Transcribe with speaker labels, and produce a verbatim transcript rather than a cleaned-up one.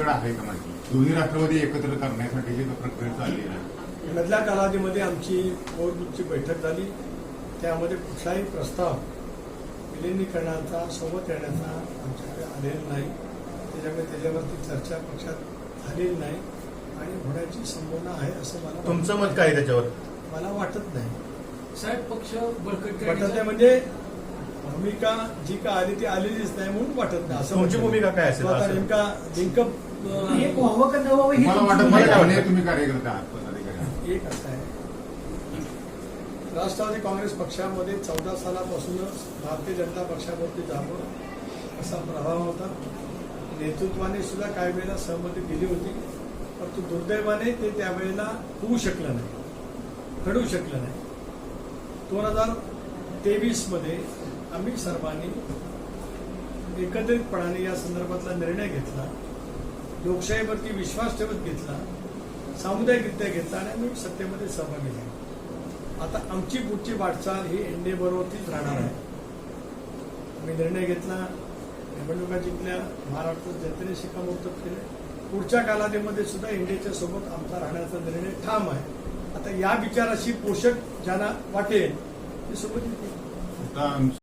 Speaker 1: तुमच्याकडे आहे का माहिती? दोन्ही राष्ट्रवादी एकत्र करण्यासाठी जी प्रक्रिया चालली आहे,
Speaker 2: मधल्या कालावधीमध्ये आमची कोर ग्रुपची बैठक झाली. त्यामध्ये कुठलाही प्रस्ताव विलिनीकरणाचा सोबत येण्याचा आमच्याकडे आलेला नाही. त्याच्यामुळे त्याच्यावरती चर्चा पक्षात झालेली नाही आणि होण्याची संभावना आहे असं मला
Speaker 3: तुमचं मत काय आहे त्याच्यावर?
Speaker 2: मला वाटत नाही.
Speaker 4: साहेब पक्ष बळकट
Speaker 2: वाटत नाही म्हणजे भूमिका जी का आली ती आलेलीच नाही म्हणून वाटत नाही. असं
Speaker 3: तुमची भूमिका काय असेल?
Speaker 2: तो आता नेमका लिंक
Speaker 4: एक व्हावं का न व्हावं ही
Speaker 1: मला
Speaker 4: तुमची
Speaker 1: वाटत
Speaker 4: भूमिका
Speaker 1: नाही
Speaker 4: आहे.
Speaker 1: म्हणजे तुम्ही कार्यकर्ते आहात, पदाधिकारी आहात.
Speaker 2: एक असं आहे, राष्ट्रवादी काँग्रेस पक्षामध्ये चौदा सालापासूनच भारतीय जनता पक्षावरती जाणून असा प्रभाव होता. नेतृत्वाने सुद्धा काही वेळेला सहमती दिली होती, परंतु दुर्दैवाने ते त्यावेळेला होऊ शकलं नाही, घडू शकलं नाही. दोन हजार तेवीस मध्ये आम्ही सर्वांनी एकत्रितपणाने या संदर्भातला निर्णय घेतला, लोकशाहीवरती विश्वास ठेवत घेतला, सामुदायिकरित्या घेतला आणि आम्ही सत्तेमध्ये सहभागी झालो. आता आमची पुढची वाटचाल ही एनडीए बरोबरतीच राहणार आहे. आम्ही निर्णय घेतला, निवडणुका जिंकल्या, महाराष्ट्रात जनतेने शिक्कामोर्तब केले. पुढच्या कालावधीमध्ये सुद्धा एनडीएच्या सोबत आमचा राहण्याचा निर्णय ठाम आहे. आता या विचाराशी पोषक ज्यांना वाटेल ते सोबत येतील.
Speaker 1: आता